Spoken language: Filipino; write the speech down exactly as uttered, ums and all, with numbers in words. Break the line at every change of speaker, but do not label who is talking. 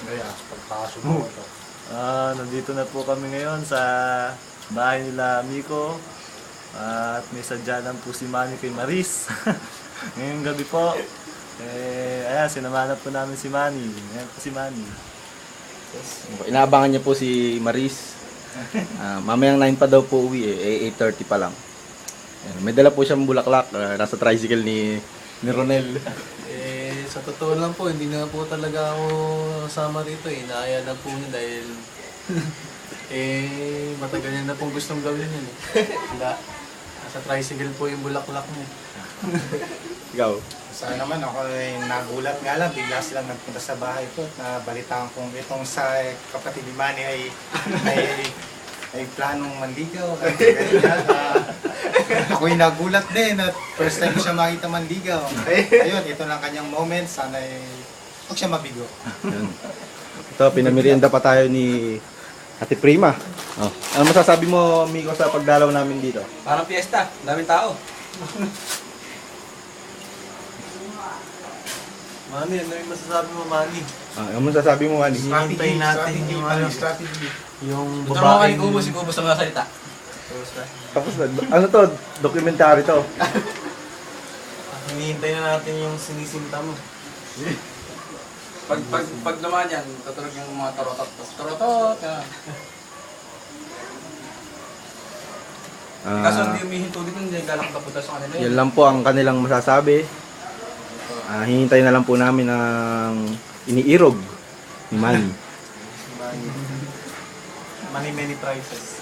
Kaya, pagpasok mo ito.
Ah, nandito na po kami ngayon sa bahay nila Miko. At may sadya lang po si Manny kay Maris. Ngayong gabi po. Eh, ayan, sinamahan po namin si Manny. Ayan po si Manny.
Inaabangan niya po si Maris. Ah, mamayang nine pa daw po uwi eh, eight thirty pa lang. Ayan, may dala po siyang bulaklak, ah, nasa tricycle ni, ni Ronel.
Eh, sa totoo lang po, hindi na po talaga ako sama rito eh. Inaaya na po niya dahil eh, matagal niya na pong gustong gawin yun eh. Wala. Nasa tricycle po yung bulaklak niya.
Ikaw?
Sa naman ako ay nagulat nga lang, bigla silang nagpunta sa bahay ko at nabalitaan kong itong sa kapatid ni Manny ay ay, ay planong manligaw. Ay, ganyan, ah, ako'y nagulat din at first time ko siya makita manligaw. Ayun, ito lang kanyang moment, sana ay huwag siya mabigo.
Ayan. Ito, pinamerienda pa tayo ni Ate Prima. Oh. Ano masasabi mo, Miko, sa pagdalaw namin dito?
Parang piyesta, daming tao.
Manny, ano yung masasabi mo, Manny?
Ah, ano masasabi mo, Manny?
Hinihintay natin
strategy,
yung
Manny,
ano.
strategy.
Yung
Ito naman
babaeng...
kay Kubo, si Kubo sa mga salita.
Tapos na, ano to? Documentary to.
Hinihintay na natin yung sinisinta mo.
Pag, pag, pag dumaan yan, tutunog yung mga torotot. Torotot! Yan. Kaso
Ah,
hindi umihinto dito, hindi galak na punta sa kanila
yan lang po ang kanilang masasabi. Ah, hihintay na lang po namin ang iniirog ni Manny.
Manny, many prizes.